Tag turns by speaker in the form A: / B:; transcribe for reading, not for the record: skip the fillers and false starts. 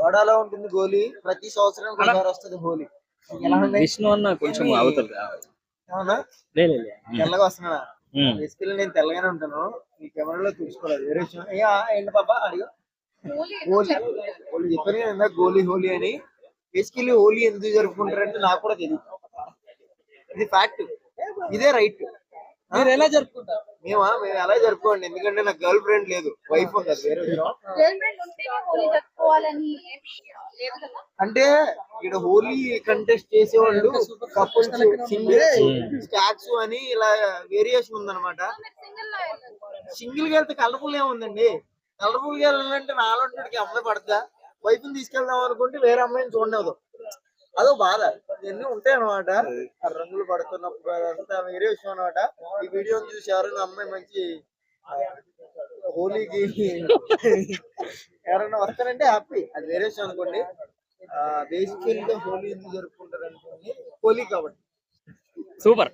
A: సోడాలో ఉంటుంది గోలీ, ప్రతి సంవత్సరానికి ఒకసారి వస్తుంది హోలీ. ఎలా ఉంది
B: విష్ణు అన్న కొంచెం అవతల
A: అవునా? తెల్లగా వస్తున్నాడా? బేసికల్లీ నేను తెల్లగానే ఉంటాను, ఈ కెమెరాలో చూసుకోలేదు వేరే విషయం. ఏంటి పాపా అడిగా? హోలీ హోలీ చెప్పాను కదా ఇందాక, గోలీ హోలీ అని. బేసికల్లీ హోలీ ఎందుకు జరుపుకుంటారంటే నాకు కూడా తెలియదు, ఇది ఫ్యాక్ట్, ఇదే రైట్. మీరు ఎలా జరుపుకుంటారు? మేము ఎలా జరుపుకోండి, ఎందుకంటే నాకు గర్ల్ ఫ్రెండ్ లేదు, వైఫ్ ఉంది, అది వేరే విషయం. అంటే ఇక్కడ హోలీ కంటెస్ట్ చేసేవాళ్ళు కపుల్స్, సింగిల్స్, స్టాక్స్ అని ఇలా వేరియేషన్ ఉందన్నమాట. సింగిల్ గా వెళ్తే కలర్ఫుల్ ఏముందండి, కలర్ఫుల్ గా వెళ్ళాలంటే నాలుగుకి అమ్మాయి పడతా, వైఫ్ ని తీసుకెళ్దాం అనుకుంటే వేరే అమ్మాయిని చూడలేదు, అదో బాధ. ఇవన్నీ ఉంటాయి అనమాట, రంగులు పడుతున్నప్పుడు అదంతా వేరే విషయం అనమాట. ఈ వీడియో చూసి ఎవరైనా అమ్మాయి మంచి హోలీకి ఎవరైనా వస్తారంటే హ్యాపీ, అది వేరే విషయం అనుకోండి. బేసికల్ గా హోలీ ఎందుకు జరుపుకుంటారు అనుకోండి, హోలీ కాబట్టి.
B: సూపర్.